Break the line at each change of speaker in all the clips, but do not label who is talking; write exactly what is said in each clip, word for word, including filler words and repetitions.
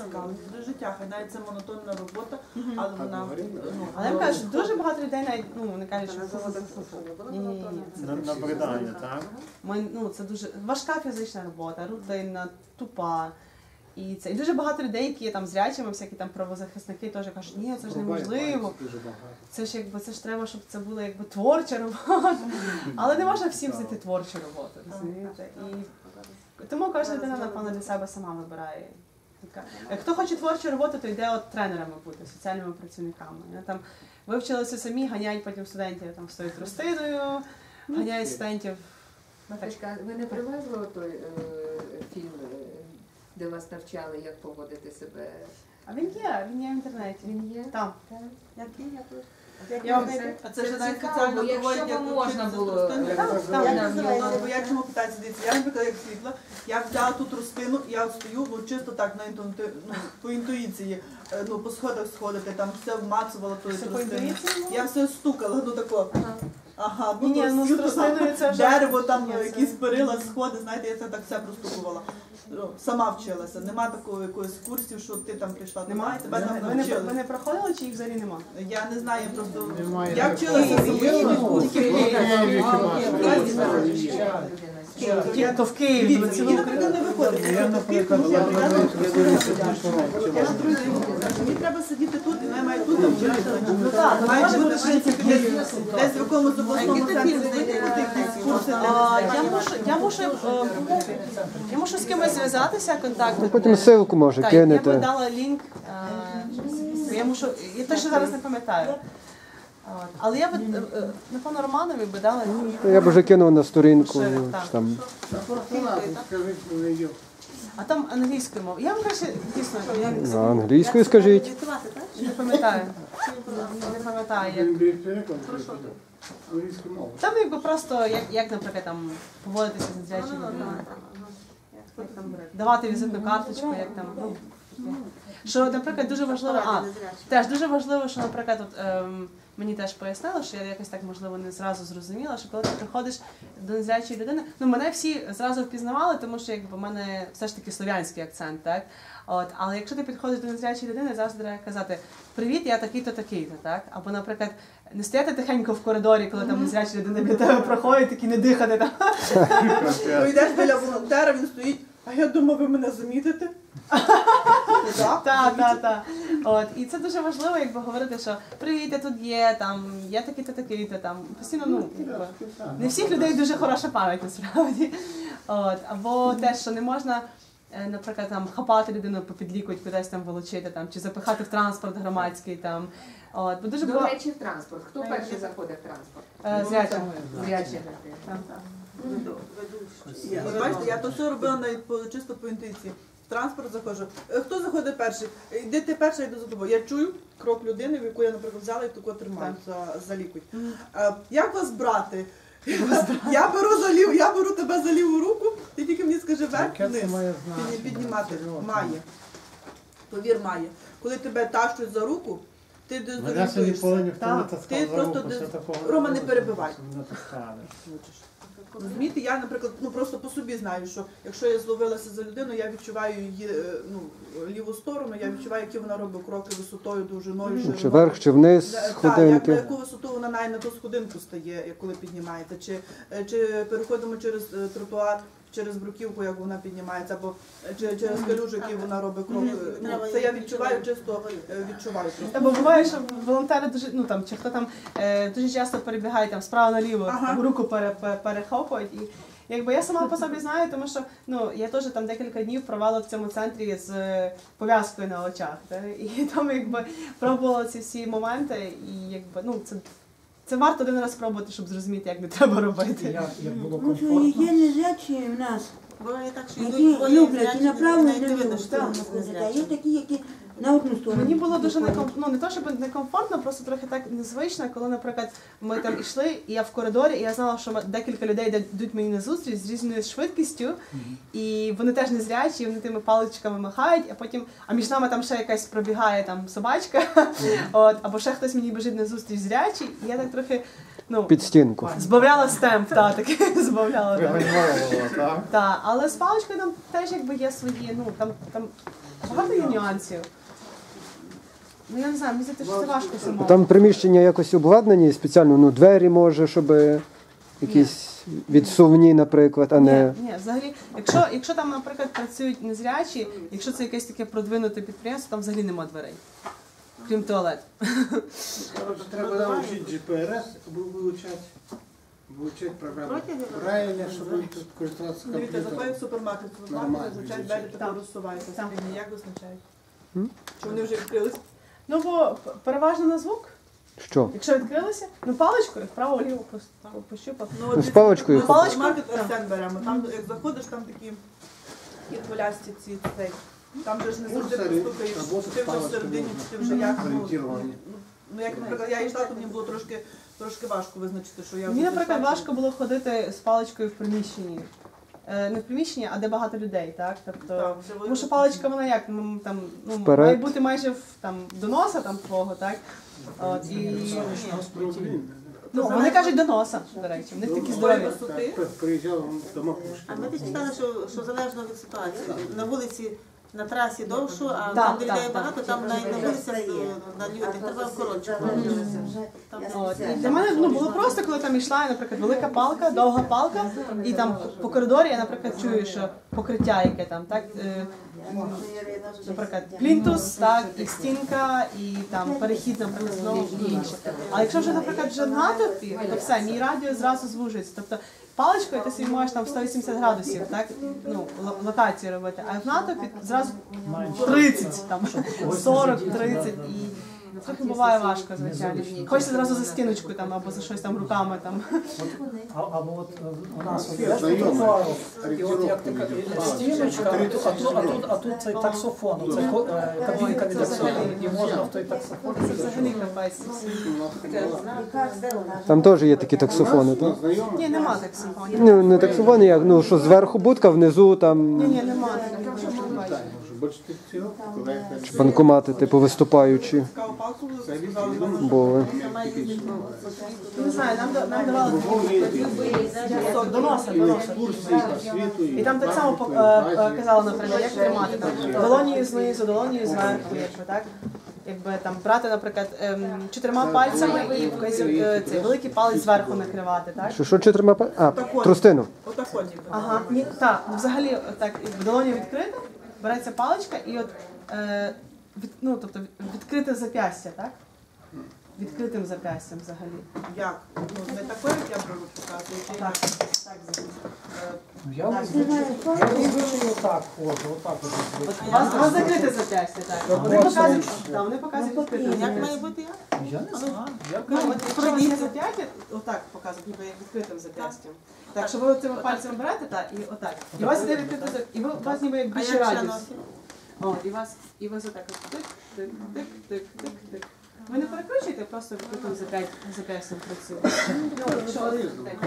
цікавить до життя, хай навіть це монотонна робота, але вона...
Але я кажу, дуже багато людей навіть, ну, вони кажуть, що ні-ні-ні.
Набридання, так?
Ну, це дуже важка фізична робота, рутинна, тупа. І це і дуже багато людей, які є там зрячими, всякі там правозахисники теж кажуть, ні, це ж неможливо. Це ж якби це ж треба, щоб це була якби творча робота. Але не можна всім знайти творчу роботу, розумієте? І тому кожна людина, напевно, для себе сама вибирає. Хто хоче творчу роботу, то йде от тренерами бути, соціальними працівниками. Там вивчилися самі, ганяють потім студентів там з тою тростиною, ганяють студентів.
Маточка, ви не привезли той е, фільм, де вас навчали, як поводити себе?
А він є, він є в інтернеті.
Він є?
Там.
Який я тут?
А це ж навіть спеціально проводять, як
можна було.
Бо я чому питаюся, дивіться, я, наприклад, як світла, я взяла ту тростину, я стою, ну, чисто так, на інтуїти, ну, по інтуїції, ну, по сходах сходити, там все вмацувала тою тростиною. Я все стукала, ну, тако. Ага, ну,
ні, ну, з тростиною це вже...
Дерево, там, якісь перила, сходи, знаєте, я це так все простукувала. Сама вчилася, нема такого якогось курсів, що ти там прийшла, немає, тебе там навчили.
Ви не проходили, чи їх взагалі нема?
Я не знаю, я просто... Я вчилася самостійно.
То в Києві, то цілу
Україну не виходить. Я, наприклад, мені треба сидіти тут, і має тут навчитися. Має бути, в принципі, десь в якомусь обласному центрі знайти якісь курси.
Я мушу, я мушу з кимось зв'язатися, контакт.
Потім ссылку може кинете.
Я б дала лінк, я мушу, я точно зараз не пам'ятаю. Але я б, напевно, Романові би дала лінк.
Я б вже кинув на сторінку. Там.
А там англійською мовою. Я вам краще, дійсно,
На англійською скажіть.
не пам'ятаю. Не пам'ятаю, як. Там якби просто, як, як наприклад, там поводитися з незрячою людиною. Давати візитну карточку, як там. Ну, що, наприклад, дуже важливо, а, теж дуже важливо, що, наприклад, от, ем, мені теж пояснили, що я якось так, можливо, не зразу зрозуміла, що коли ти приходиш до незрячої людини, ну, мене всі зразу впізнавали, тому що, якби, в мене все ж таки слов'янський акцент, так? От, але якщо ти підходиш до незрячої людини, завжди треба казати «Привіт, я такий-то, такий-то», так? Або, наприклад, не стояти тихенько в коридорі, коли там незряча людина біля тебе проходить, такі не дихати там.
Йдеш біля волонтера, він стоїть, а я думаю, ви мене замітите?
Так, так, так. От, і це дуже важливо, якби говорити, що привіт, я тут є, там, я такий-то, такий-то, там, постійно, ну, якби, не всіх людей дуже хороша пам'ять, насправді. От, або те, що не можна, наприклад, там, хапати людину попід лікоть, кудись там волочити, там, чи запихати в транспорт громадський, там. От, бо дуже
До
було...
речі, в транспорт. Хто перший заходить в транспорт?
Зрячі. Зрячі.
Бачите, я то все робила навіть по, чисто по інтуїції. В транспорт заходжу. Хто заходить перший? Йди ти перша, йду за тобою. Я чую крок людини, в яку я, наприклад, взяла і тако тримаю за, за лікоть. А, як вас брати? Я беру, за лів, я беру тебе за ліву руку, ти тільки мені скажи вверх-вниз. Піднімати. Має. Повір, має. Коли тебе тащуть за руку, ти дезорієнтуєшся. Ти просто дез... Рома, не перебивай. Розумієте, я, наприклад, ну просто по собі знаю, що якщо я зловилася за людину, я відчуваю її, ну, ліву сторону, я відчуваю, які вона робить кроки висотою, довжиною, шириною.
Чи вверх, чи вниз сходинки.
Так, на яку висоту вона навіть на ту сходинку стає, коли піднімається. Чи, чи переходимо через тротуар, через бруківку, як вона піднімається, або чи, через калюжу, який вона робить кроки. Ну, це я відчуваю, чисто відчуваю.
Бо буває, що волонтери дуже, ну там, чи хто там е, дуже часто перебігає там справа наліво, ага. руку пере, пере, перехоплюють. І якби я сама по собі знаю, тому що ну, я теж там декілька днів провела в цьому центрі з пов'язкою на очах. Так? І там якби пробувала ці всі моменти, і якби, ну, це, це варто один раз спробувати, щоб зрозуміти, як не треба робити.
Як, як було комфортно? Ну, є незрячі в нас, які люблять і направо, і наліво. Є такі, які на одну сторону.
Мені було дуже некомфортно, ну не то, щоб некомфортно, просто трохи так незвично, коли, наприклад, ми там йшли, і я в коридорі, і я знала, що декілька людей йдуть мені на зустріч з різною швидкістю, і вони теж незрячі, і вони тими паличками махають, а потім, а між нами там ще якась пробігає там собачка, от, або ще хтось мені біжить на зустріч зрячий, і я так трохи, ну,
під стінку.
Збавляла стемп, так, таки, збавляла.
Вигальмовувала, так?
Так, але з паличкою там теж якби є свої, ну, там, там багато є нюансів. Ну я не знаю, мені здається, що це важко самому.
Там приміщення якось обладнані спеціально, ну двері може, щоб якісь відсувні, наприклад, а не.
Ні, ні, взагалі, якщо, якщо там, наприклад, працюють незрячі, якщо це якесь таке продвинуте підприємство, там взагалі нема дверей, крім туалету.
Коротше, треба навчити джі пі ар ес, вивчати, вивчати програму. Правильно, щоб тут користуватися
Дивіться,
комп'ютером.
заходять в супермаркет, в супермаркет
Нормально,
зазвичай
звичайно.
двері тако розсуваються.
Так.
Як визначають?
М?
Чи вони вже відкрились?
Ну, бо переважно на звук.
Що?
Якщо відкрилися, ну паличкою вправо-ліво пос- пощупав.
Ну,
Ну, з паличкою.
Ми
Паличкою?
супермаркет Арсен беремо. Там, як заходиш, там такі і хвилясті ці цей. Там же ж не завжди
Ну,
постукаєш,
робота
чи ти
з
вже
паличкою
всередині,
можна.
чи ти вже як. Ну,
Орієнтування.
ну, як, наприклад, я йшла, то мені було трошки, трошки важко визначити, що я
Мені,
вже
наприклад,
зайшла.
важко було ходити з паличкою в приміщенні. Е, Не в приміщенні, а де багато людей, так? Тобто,
Так, вже
тому що паличка, вона як, ну, там, ну,
Вперед.
має бути майже в, там, до носа там, твого, так? От, і, ну, вони кажуть до носа, до речі, в них такі здорові.
висоти.
Приїжджав до Макушки.
А ми читали, що, що залежно від ситуації. На вулиці, на трасі довшу, а
Так,
там, де
так,
людей
так.
багато, там на, на вулицях, на людях треба коротше. Там
От. І для мене ну, було просто, коли там йшла, наприклад, велика палка, довга палка, і там по коридорі я, наприклад, чую, що покриття яке там, так, е, наприклад, плінтус, так, і стінка, і там перехід, наприклад, знову і інше. А якщо вже, наприклад, вже в натовпі, то все, мій радіус зразу звужується. Тобто паличкою ти собі можеш там сто вісімдесят градусів, так, ну, л- локацію робити, а в натовпі зразу тридцять, там, сорок, тридцять і трохи буває важко, звичайно. Хочеться зразу за стіночкою там або за щось там руками там.
А, або от е, у нас от є
Знайомий.
тротуару, і от як така стіночка, а тут, а тут, а тут, а тут цей таксофон, це ко- е, кабінка від таксофону, і можна в той таксофон.
Це взагалі капець.
Там теж є такі таксофони, так?
Ні, нема так симфонії.
Ну, не таксофони, як, ну, що зверху будка, внизу там
Ні, ні, нема.
Бачите, цього?
банкомати, типу, виступаючі
Цікаву палку сказали нам.
були.
Не знаю, нам, да- нам давали такі до носа, до носа.
Екскурсії по світу.
І там так само по- е, е, казали, наприклад, як тримати там долонію знизу, долонію зверху, якби так. Якби там брати, наприклад, ем, чотирма пальцями і вказів- е, цей великий палець зверху накривати, так?
Що, що чотирма па- А, тростину.
Отако ніби.
Ага, ні, так, взагалі, так, якби долоня відкрита, береться паличка і от, е, від, ну, тобто від- відкрите зап'ястя, так? Відкритим зап'ястям взагалі.
Як? Ну, не таке, як я беру показую, чи
Так,
як?
так, звичайно.
Я зазвичай я зазвичай отак ходжу, отак от.
У вас, у вас закрите зап'ястя, так. Вони показують, так, вони показують відкрите
Як має
зап'ястя.
бути як?
Я не знаю. Я
Ну, от якщо у вас є зап'яття, отак показують, ніби як відкритим зап'ястям. Так, що ви цими пальцями берете, так, і отак. І у вас іде відкрите зап'ястя, і ви, у вас ніби як
А
більше
як ще
радіус.
носить?
О, і вас, і вас отак от тик, тик, тик, тик, тик, тик. Ви не перекручуєте, просто відкритим зап'я- зап'ястям працюєте. Ну, якщо ви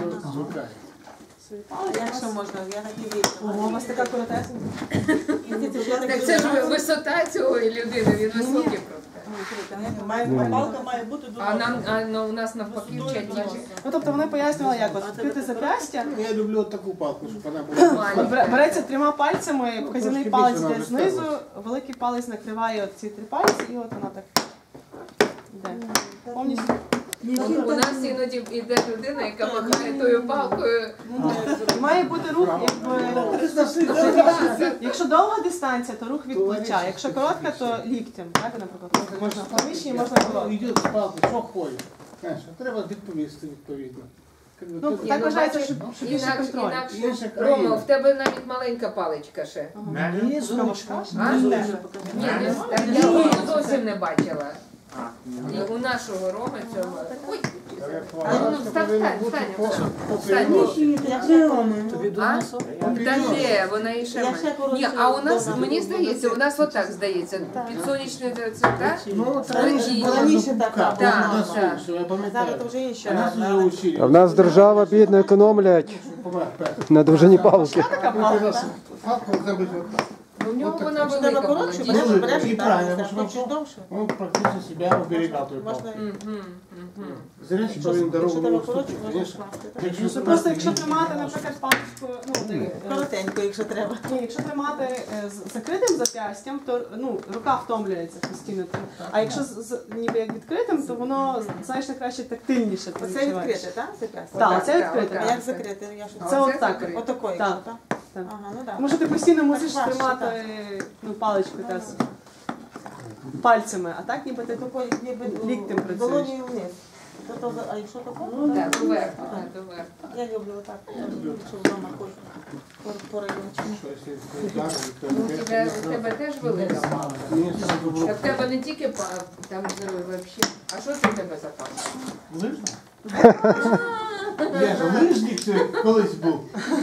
свої
А
палиці,
як ще можна? Я так і вірю.
Ого, у вас така коротесенька.
Так це ж висота цього людини, він високий просто.
Має, палка має бути до
А
носа.
нам а, ну, у нас навпаки вчать ніжі.
Ну, тобто вони пояснювали, як от відкрите зап'ястя,
Я люблю таку палку, щоб вона була.
Бер- береться трьома пальцями, вказівний
Трошки
палець
більше
йде
вона
знизу,
виставилась.
великий палець накриває от ці три пальці, і от вона так йде. Повністю.
У нас іноді йде людина, яка махає тою палкою.
І має бути рух, якби. Якщо довга дистанція, то рух від плеча. Якщо коротка, то ліктем. Так, наприклад, можна в приміщенні, можна коротко.
Йде з палки, що ходить. Знаєш, треба відповісти відповідно.
Ну, так вважається, що що більше
Інакше,
контроль.
інакше.
Інша країна.
Рома, в тебе навіть маленька паличка ще.
Ні, зручно.
А? Ні, не- так я її зовсім не бачила. І у нашого Роми цього. Ой, а ну встань, встань, встань. Встань.
Тобі до
А?
носу?
Та де, вона і ще
Я
менше.
ще коротше
Ні, а у нас,
добре.
мені здається, у нас отак здається. Підсонячний це так?
Ну,
Раніше, раніше така
Так,
була.
так.
я
Зараз
пам'ятаю.
то вже інше.
А нас вже
А
учили.
в нас держава бідно економлять на довжині палки.
Палку зробити отак.
У нього
От так,
вона
Якщо
велика
треба
була.
коротше,
дійсно.
береш, береш,
І
так,
правильно,
так,
тому що
хочеш довше.
Он практически себя уберегал той
Можна,
палкой.
Мгм, мгм.
Зря
якщо,
что він дорогу
якщо
не
треба коротше,
уступить,
можна
конечно.
скласти. так?
Якщо
Ну,
це
просто
так,
якщо
ні,
тримати,
ні,
наприклад, паличку, ну, ти, е,
Коротенько, якщо треба.
ні, якщо тримати е, з закритим зап'ястям, то ну, рука втомлюється постійно. А якщо з, з- ніби як відкритим, то воно значно краще тактильніше. ти
Оце
відчуваєш.
відкрите, так? зап'ястя?
Так,
Отак,
це
так,
відкрите.
А
отак.
як закрити? Я ж
Це
А
от
оце
так.
закрите.
Отакої,
Так.
так?
Так.
Ага, ну так.
Тому що ти постійно мусиш
важче,
тримати ну, паличку теж пальцями, а так ніби ти
Такої, ніби
ліктем працюєш.
долонею вниз. То, то, а якщо тако?
Так, доверху, так, доверху.
Я люблю отак, якщо вдома хочу по, по райончику.
Що, якщо удар, то
Ну, у
опять
тебе,
не
у тебе теж велика мама.
Ні, це добро.
Так в тебе не тільки па- там здоров'я вообще. А що це в тебе за пам'ять?
Лижна? Я ж лижник це колись був.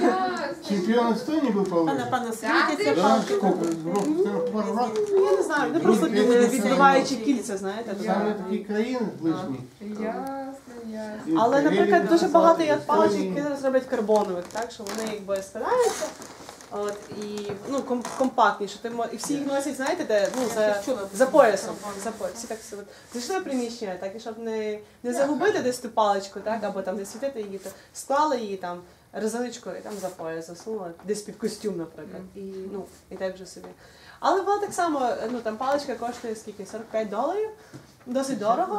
Чемпіон Естонії був по
А
лижі.
напевно,
Так,
світяться
ти
Да,
палки.
сколько? Рок- це пару років.
Ну, я не знаю, вони просто
Ні,
е,
ні,
відбиваючи
ні.
кільця, знаєте. то
Саме
так.
такі країни лижні.
Ясно, ясно.
І
Але,
Карелія,
наприклад, дуже багато є
Естонії.
паличок, які зараз роблять карбонових, так, що вони якби складаються. От, і ну, ком- компактніше. Ти мо- і всі їх носять, знаєте, де, ну, за, за поясом. За пояс. Всі так собі зайшли в приміщення, так, і щоб не, не загубити десь ту паличку, так, або там не світити її, то склали її там резиночкою і там за пояс засунули, десь під костюм, наприклад. І, ну, і так вже собі. Але вона так само, ну там паличка коштує скільки? сорок п'ять доларів. Досить дорого.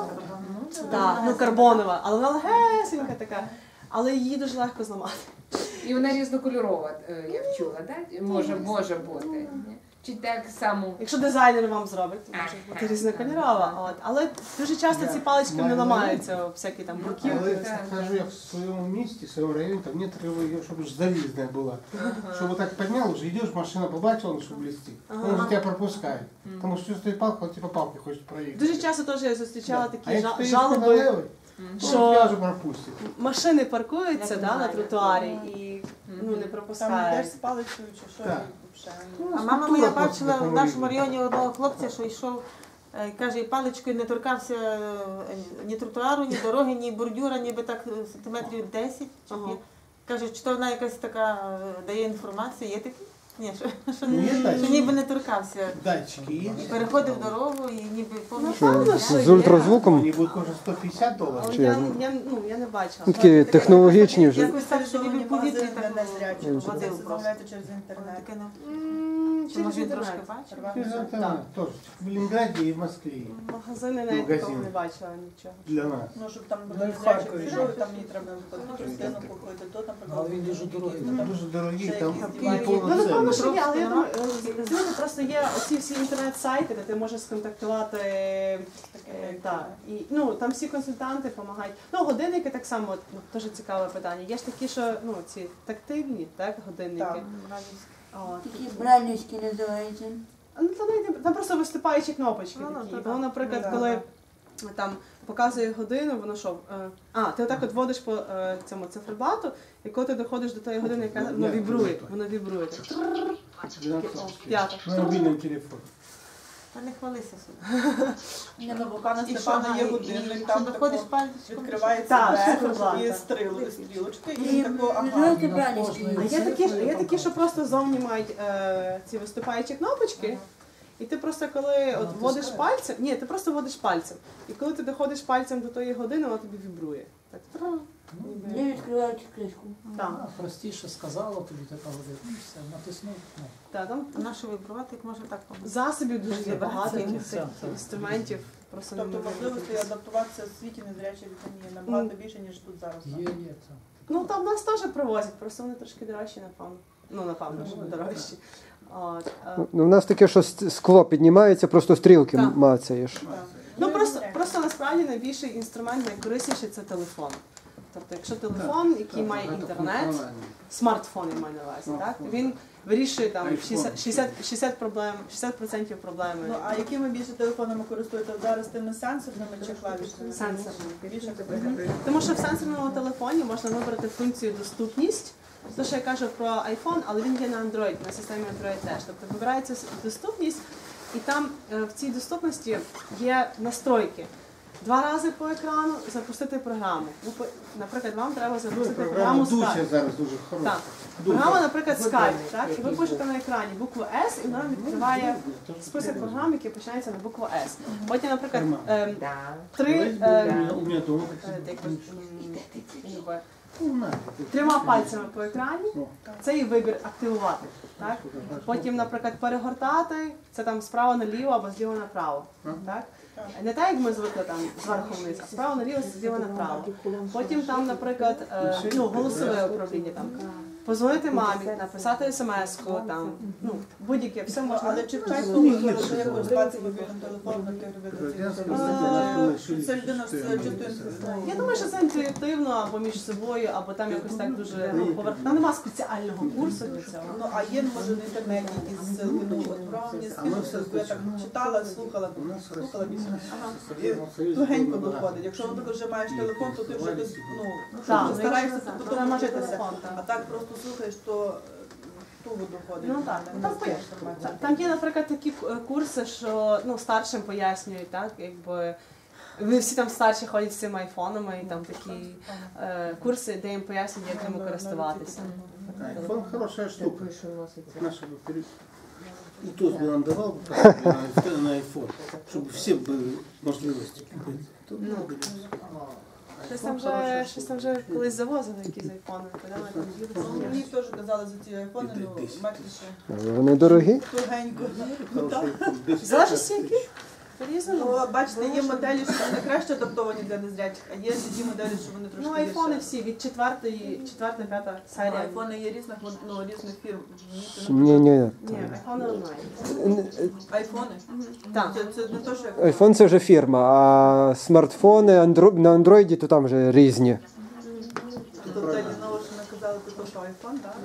Так, ну карбонова, але вона легесенька така. Але її дуже легко зламати.
І вона різнокольорова, е, я чула, так? Може, може бути. Ні? Чи так само?
Якщо дизайнер вам зробить, то може бути різнокольорова. От. Але дуже часто ці палички не ламаються, всякі там
Але
бруківки.
так.
кажу, я в своєму місті, в своєму районі, там нет її, щоб ж залізна була. Щоб так підняв, вже йдеш, машина побачила, що блістить. Він вже тебе пропускає. Тому що стоїть палка, от типу палки хочуть проїхати.
Дуже часто теж я зустрічала
А
такі
якщо
жа-
ти
жалоби,
левий,
що-
то тебе вже пропустять.
машини паркуються
Я
да, на
знаю.
тротуарі і ну, не
Там
пропускають.
йдеш з паличкою чи що,
Так.
і взагалі.
А мама моя
Культура
бачила
просто
в нашому
такому
районі одного хлопця, що йшов, е, каже, і паличкою не торкався е, ні тротуару, ні дороги, ні бордюра, ніби так е, сантиметрів десять. чи
Ага.
п'ять. Каже, чи то вона якась така е, дає інформацію, є такі? Ні, що, що,
Ну, є
що
датчики.
ніби не торкався.
Датчики є.
Переходив дорогу і ніби повністю.
Що,
Напевно, що
з
є.
ультразвуком?
Вони будуть кожен сто п'ятдесят доларів.
Але
Чи
я,
як?
я, ну, я не бачила.
Ну, такі технологічні вже.
Якось так, що ніби в повітрі
Магазин
так
для незрячих,
водив
це
просто.
замовляєте через інтернет.
Таке, ну,
М,
Чи
через
може він
інтернет.
трошки бачив?
Через
Так.
интернет тоже. В Ленинграде и в Москве.
Магазини навіть
Магазин.
такого не бачила нічого.
Для нас.
Ну, щоб там
Ну,
до
і в
незрячих
Харкові
прийшов,
ж.
і там мені треба наприклад, частину купити, то, наприклад,
Але він дуже дорогий.
ну, там
Дуже дорогі,
ще
там
якісь
і
дивані.
Ну, напевно,
повноцінні.
що є, але я думаю, е, знаєте, просто є оці всі інтернет-сайти, де ти можеш сконтактувати. е, та, і, ну, там всі консультанти допомагають. Ну, годинники так само, от, ну, дуже цікаве питання. Є ж такі, що ну, ці тактильні, так, годинники.
Так.
От.
Такі брайлівські називаються.
Ну, там, навіть- там просто виступаючі кнопочки
Ну, ну,
такі.
то
Воно,
да.
наприклад,
Ну, да,
коли там показує годину, воно що? е, А, ти отак от водиш по е, цьому циферблату, і коли ти доходиш до тої години, яка воно
Ні,
вібрує,
ні.
воно вібрує. Так,
двенадцать
О,
штук.
п'ята.
На мобильном телефоне.
Та не хвалися собі.
Ні, ну, бо пана
І що,
Степана є
і-
годинник,
і
там
що доходиш
тако
пальчиком?
відкривається
Так,
верх,
циферблат,
і
так.
стріл- стрілочки,
І
і тако, ага.
називаються брайлівські.
А є такі, ж- є такі, що просто зовні мають е, ці виступаючі кнопочки. І ти просто коли от вводиш пальцем, ні, ти просто вводиш пальцем. І коли ти доходиш пальцем до тої години, вона тобі вібрує. Так, тра, ніби.
Не відкриваючи кришку.
Так,
А, простіше сказала тобі така година. Ну, все, натиснув. Ну,
та, там
А на що вибрувати, як можна так помогти?
засобів дуже є багато,
Це-
яких
це-
таких
це-
інструментів. Просто
Тобто
неможливо
можливості
якось.
адаптуватися в світі незрячих дітей є набагато більше, ніж тут зараз.
є, є. Це.
Ну там нас теж привозять, просто вони трошки дорожчі, напевно. Ну, напевно, що дорожчі. От, е,
Ну, у нас таке, що с- скло піднімається, просто стрілки
Так.
мацаєш.
Так.
Ну
і
просто,
незрячих.
просто насправді найбільший інструмент, найкорисніший це телефон. Тобто, якщо телефон, який має інтернет, смартфон я маю на увазі, так? Він вирішує там
iPhone.
шістдесят, шістдесят, шістдесят проблем, шістдесят відсотків проблеми.
Ну, а якими більше телефонами користуєтеся зараз, тими сенсорними чи клавішними?
Сенсорними.
Більше
Мгм. Тому що в сенсорному телефоні можна вибрати функцію доступність. Те, що я кажу про iPhone, але він є на Android, на системі Android теж. Тобто вибирається с- доступність, і там е, в цій доступності є настройки. Два рази по екрану запустити програму. Ну, по- наприклад, вам треба
Ну,
запустити
програма
програму
Дуся
Skype.
зараз дуже хороша.
Так. Програма, наприклад, Skype, так? І ви пишете на екрані букву С, і вона вам відкриває список програм, які починаються на букву С. Потім, наприклад, ем, три ем,
У меня дома.
е, як би, м, ніби, трьома пальцями по екрані, це і вибір активувати. Так? Потім, наприклад, перегортати, це там справа наліво або зліва направо. Так? Не так, як ми звикли там зверху вниз, а справа наліво, зліва направо. Потім там, наприклад, е, ну, голосове управління. Там. Позвонити мамі, написати смс-ку, там, ну, будь-яке, все можна.
Але чи вчать тому, що я користуватися мобільним телефоном на Це людина з чистою.
Я думаю, що це інтуїтивно або між собою, або там якось так дуже ну, поверх. Там немає спеціального курсу для цього.
Ну, а є, може, в інтернеті якісь ссылки, ну, от про мені скинувся, я так читала, слухала, слухала більше. І тугенько доходить. Якщо, наприклад, вже маєш телефон, то ти вже десь, ну,
Так,
стараєшся
якщо
потім
треба мати
вчитися.
телефон, так.
А так просто слухаєш, то туго доходить.
Ну так,
Не
там,
встаєш
там,
нормально.
там є, наприклад, такі е, курси, що ну, старшим пояснюють, так, якби. Вони всі там старші ходять з цими айфонами, і там такі е, курси, де їм пояснюють, як ними користуватися.
Айфон хорошая штука. Наша бы перед... И тот бы нам давал бы на айфон, чтобы все были можливости купить. Тут
Ну.
много.
Щось там вже, щось там вже колись завозили якісь айфони, коли ми там
Ну,
їздили.
мені теж казали за ці айфони, ну, мертвіше.
Вони дорогі?
Тугенько. Ну, так.
Хороший iPhone. Без
Залежить скільки? По-різному.
Ну, бачите, є моделі, що вони краще адаптовані для незрячих, а є ті моделі, що вони трошки
Ну, айфони
гірше.
всі від четвертої, четверта, п'ята
А
серія.
айфони є різних, ну, різних фірм.
Ні, ні.
Ні, айфони онлайн.
Айфони?
Так.
Це, це не то, що як...
Айфон це вже фірма, а смартфони андро... на андроїді то там вже різні.
Тобто Ліново, що ми казали, то що айфон, так?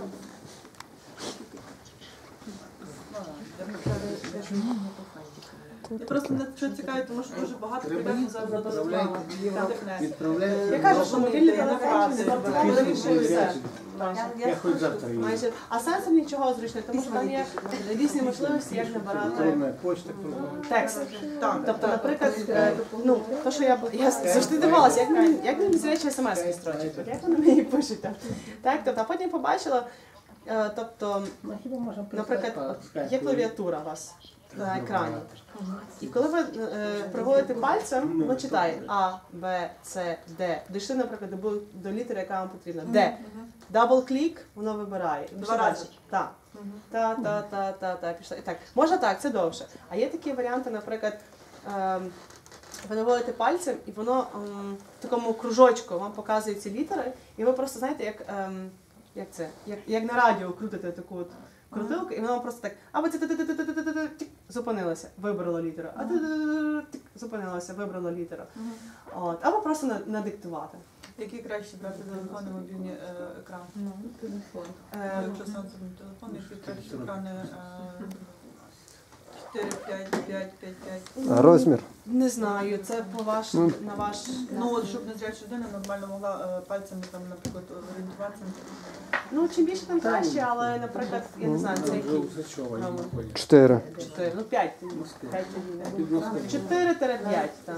Я просто не що цікавить, тому що дуже багато підемо зараз на
Відправляйте, відправляйте.
Я кажу, що мобільний телефон не
Правда.
більше все.
Я хоч завтра їду.
Майже. А сенсор нічого зручний, тому що там є різні можливості, як набирати
Електронна почта, кругом.
текст.
Так,
Тобто, наприклад, е, ну, то, що я, я завжди дивилася, як мені, як мені зрячі смс-ки строчать, от як вони мені пишуть там. Так, тобто, а потім побачила, е, тобто,
Ну, хіба можна
наприклад,
прислати
от
по скайпу?
є клавіатура у вас на екрані. І коли ви е, проводите пальцем, воно читає А, Б, С, Д. Дійшли, наприклад, до, бу- до літери, яка вам потрібна. Д. Дабл-клік, воно вибирає. І
Два
пішли
рази.
далі. Так. Та, та, та, та, та, пішла. І так. Можна так, це довше. А є такі варіанти, наприклад, ем, ви наводите пальцем, і воно ем, в такому кружочку вам показує ці літери, і ви просто знаєте, як, ем, як це, як, як на радіо крутите таку от крутилку, і воно вам просто так, або це тик, зупинилося, вибрало літеру, а тик, зупинилося, вибрало літеру. От, або просто на- надиктувати.
Які краще брати телефони, мобільні е, екран?
Ну, телефон.
Ем,
Якщо сенсорний телефон, які краще екрани е, чотири, п'ять, п'ять, п'ять, п'ять.
А розмір?
Не знаю, це по ваш,
Ну,
на ваш...
Ну, от, щоб незряча людина нормально могла е, пальцями, там, наприклад, орієнтуватися.
Ну, чим більше, тим краще, але, наприклад, я не знаю, це який.
Чотири.
Чотири, ну п'ять. П'ять тоді. Чотири-п'ять, так.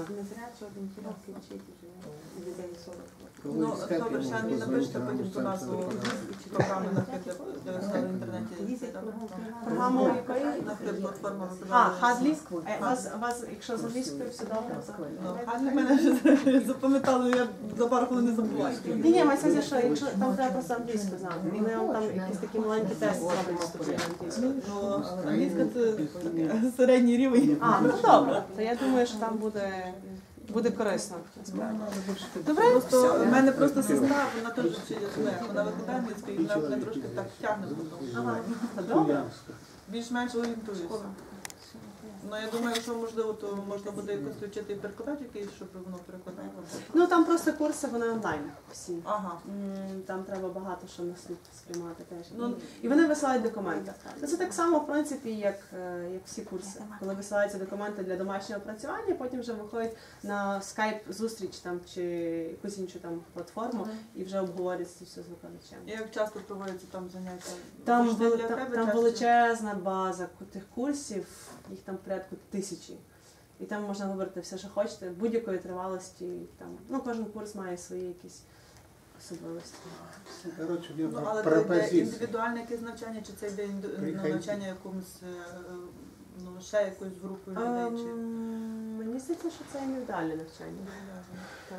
Ну, добре, ще мені напишете потім ту назву програми на хід, де в інтернеті.
Програму якої?
На хід платформа.
А, Хадлі? А у вас, у вас, якщо з англійською все добре, то...
Ну, а для мене вже запам'ятали, я за пару хвилин не забуваю.
Ні, ні, маю сказати, що якщо там треба просто англійську знати. Вони вам там якісь такі маленькі тести роблять вступні англійською.
Ну, англійська це таке середній рівень.
А, ну добре. То я думаю, що там буде, буде корисно. насправді. Добре,
Просто в мене просто сестра, вона теж вчить вона викладає англійську, і вона мене трошки так тягне.
Ага. Добре.
Більш-менш орієнтуюся. Ну, я думаю, що можливо, то можна буде якось включити і перекладач якийсь, щоб воно перекладало.
Ну там просто курси, вони онлайн всі.
Ага.
М, Там треба багато що на слід сприймати теж.
Ну,
І вони висилають документи. Ну, це так само, в принципі, як, е, як всі курси. Коли висилаються документи для домашнього працювання, потім вже виходять на скайп-зустріч там, чи якусь іншу там платформу і вже обговорюється все з викладачем.
І як часто проводяться там заняття?
Там,
Завжди
вели-
для
там,
тебе
там
часто?
величезна база тих курсів, їх там порядку тисячі. І там можна вибрати все, що хочете, будь-якої тривалості. Там, ну, кожен курс має свої якісь особливості.
Короче, у
Ну,
него
але це йде
пропозиция.
індивідуальне якесь навчання, чи це йде інду- ну,
Приходіть.
навчання якомусь, е, ну, ще якоюсь групою людей, чи...
Ем, Мені здається, що це індивідуальне навчання. Так.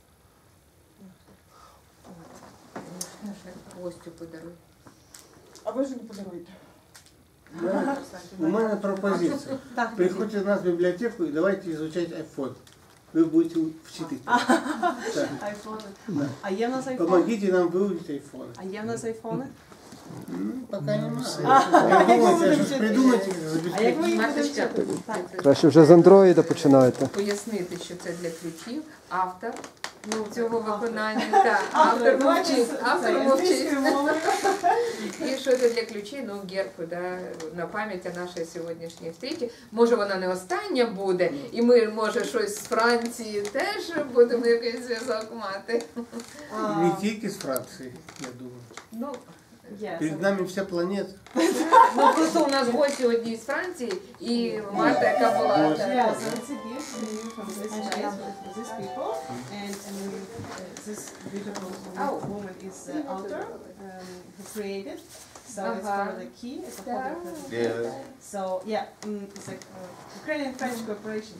Гостю подаруй.
А ви ж не подаруєте?
У мене- У меня пропозиция.
Так.
Приходите в нас в библиотеку и давайте изучать iPhone. Вы будете учить. Так.
Айфони. А є в нас айфони?
Помогите нам выучить iPhone.
А є в нас айфони?
Ну, пока не знаю. Придумайте, что ж придумайте,
А як ви їх
Марточка,
будете вчити? Так.
Краще вже з андроїда починайте.
пояснити, що це для ключів. Автор цього виконання. Так, автор мовчить. Автор мовчить. І що це для ключей? Ну, герб, да, на пам'ять о нашій сьогоднішній встрічі. Може, вона не остання буде, і ми, може, щось з Франції теж будемо якийсь зв'язок мати.
Не тільки з Франції, я думаю.
Ну,
Є.
Перед нами вся планета.
ну просто у нас гості одні з Франції, і Марта, яка була.
Yeah,
так.
so it's a gift to you from this place, from these people, and um, this beautiful
Oh.
woman is the author um, who created. So it's
Uh-huh.
for the key. It's a public presentation.
Yeah.
So yeah, um, it's like uh, Ukrainian-French cooperation.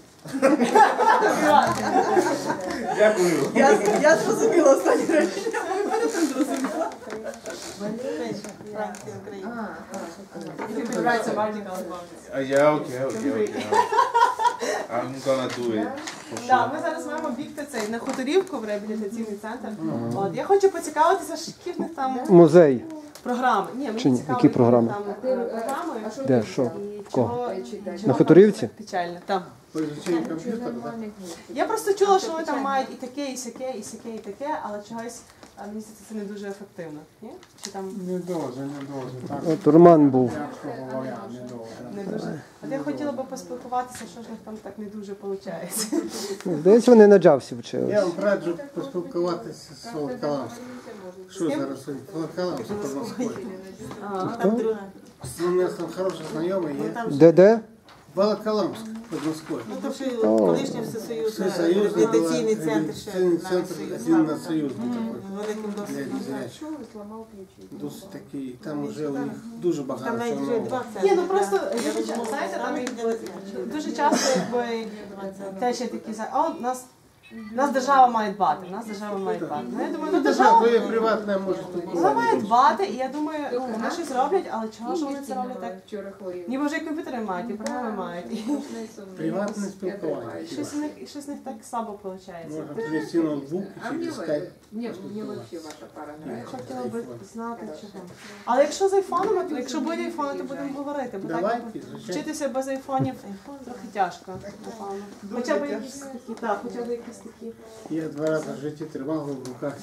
Дякую.
Я, я зрозуміла останні речення, ви мене не зрозуміла.
Франція, Україна.
А, а,
If you could write some articles about it.
Uh, yeah, okay, okay, okay. I'm gonna do it for
Да,
sure.
ми зараз маємо бігти цей на Хуторівку в реабілітаційний центр. От я хочу поцікавитися, що які в них там
Музей.
програми. Ні, мені
Чи ні?
цікаво,
Які програми?
там е, програми.
Де, що?
І
Кого?
чого,
На
чого
Хуторівці?
Печально. Там.
По изучению компьютера, да?
Я просто чула, що вони там мають і таке, і сяке, і сяке, і таке, але чогось а, мені здається, це не дуже ефективно. Ні? Чи там
Не должен, не должен. Так,
От Роман був.
мягко говоря, не должен.
не дуже. От я хотіла би поспілкуватися, що ж в них там так не дуже виходить.
Здається, вони на джавсі
Я
вчились.
вам раджу поспілкуватися з Волоколамським. Що зараз? Волоколамський по Москві.
Хто?
У мене там хороший знайомий є.
Де де?
Волоколамськ під Москвою.
Ну, то ще колишній всесоюзний
Всесоюзний
реабілітаційний центр ще
центр один на союзний
великим
для
досвідом.
зрячих. Досить такий, там вже у них дуже
Там
багато
навіть
чого
вже
нового.
два центри.
Ні, ну просто
да.
дуже часто, знаєте, там якби, дуже часто якби теж є такі за о, нас. Нас держава має дбати, нас держава має дбати. Ну, я думаю, ну
Держава
держава
твоє приватне може
вона має
бути.
дбати, і я думаю, ну, вони щось роблять, але чого ж вони це роблять так?
Вчора хворів.
Ніби вже і комп'ютери мають, і програми мають. І
Приватне спілкування.
щось у них щось у них так слабо виходить.
Можна привезти ноутбук
А
і
мне,
через
вы-
скайп.
мне, мне вообще ваша пара нравится.
Хотіла би знати чого. Але якщо з айфонами, то якщо буде айфони, то будемо говорити. Бо так
Давайте, звичайно.
вчитися без айфонів трохи тяжко. напевно. Хоча б якісь такі, так, хоча б якісь такі.
Я два рази в житті тримав його в руках,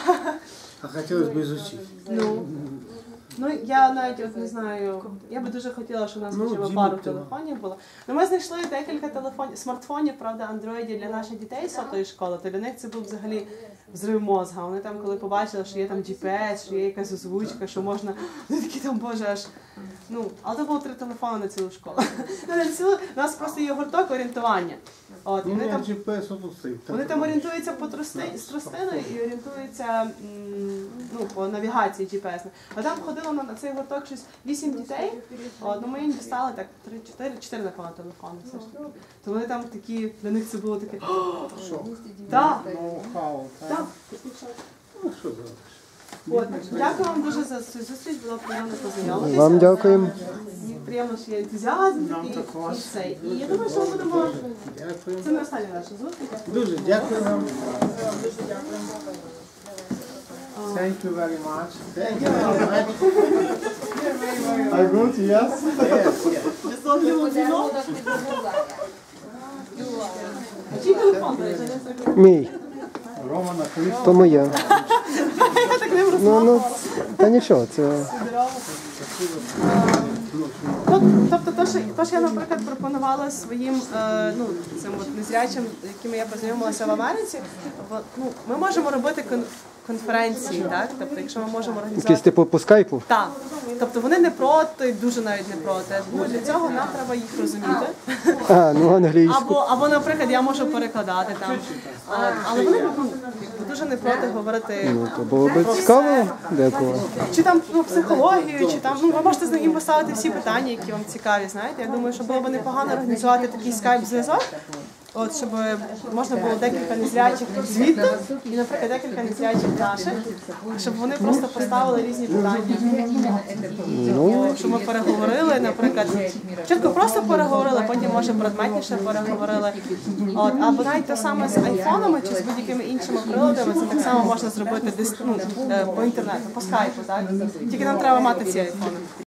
а хотілося б изучити.
Ну, ну я навіть от не знаю, я би дуже хотіла, щоб у нас
Ну,
хоча б
Діма,
пару
ти-
телефонів було. Ну, ми знайшли декілька телефонів, смартфонів, правда, андроїдів для наших дітей з сотої школи, то для них це був взагалі взрив мозга. Вони там, коли побачили, що є там джі пі ес, що є якась озвучка, що можна, вони такі там, боже, аж, ну, але це було три телефони на цілу школу. Ну, на цілу, у нас просто є гурток орієнтування. От,
У
вони
мене
там
джі пі ес тут стоїть.
вони там орієнтуються по трости, з тростиною і орієнтуються м, ну, по навігації джі пі ес. А там ходило на, на цей гурток щось вісім дітей. От, ну, ми їм дістали так три-чотири, чотири напевно телефони. Все ж. То вони там такі, для них це було таке. Так,
Ноу-хау.
так.
Ну, що зробиш?
От, дякую вам дуже за цю зустріч, було приємно познайомитися.
Вам дякуємо.
Мені приємно, що є ентузіазм такий і все. І я думаю, що ми будемо.
Дякую.
Це не остання наша зустріч.
Дуже дякую вам. Thank you very much. Thank you very much. I good, yes? Yes, yes.
Подарунок від Google.
Чий телефон? до речі?
Мій.
Романа Крис.
То моє. Ну, ну, та нічого, це
Ну, тобто, то, що, то, що я, наприклад, пропонувала своїм е, ну, цим от незрячим, якими я познайомилася в Америці, бо, ну, ми можемо робити кон- конференції, так? Тобто, якщо ми можемо
якийсь
організувати.
типу по скайпу.
Так. Тобто вони не проти, дуже навіть не проти. Ну, для цього нам треба їх розуміти.
А, ну англійську.
Або, або, наприклад, я можу перекладати там. От, але вони ну, дуже не проти говорити.
Ну, то було б цікаво деколи.
Чи там ну, психологію, чи там, ну ви можете з ним поставити всі питання, які вам цікаві, знаєте. Я думаю, що було б непогано організувати такий скайп-зв'язок, от, щоб можна було декілька незрячих звідти, і, наприклад, декілька незрячих наших, щоб вони просто поставили різні питання.
Ну,
Щоб ми переговорили, наприклад, чітко просто переговорили, потім, може, предметніше переговорили. От, або навіть те саме з айфонами чи з будь-якими іншими приладами, це так само можна зробити дис- ну, е, по інтернету, по скайпу, так? Тільки нам треба мати ці айфони.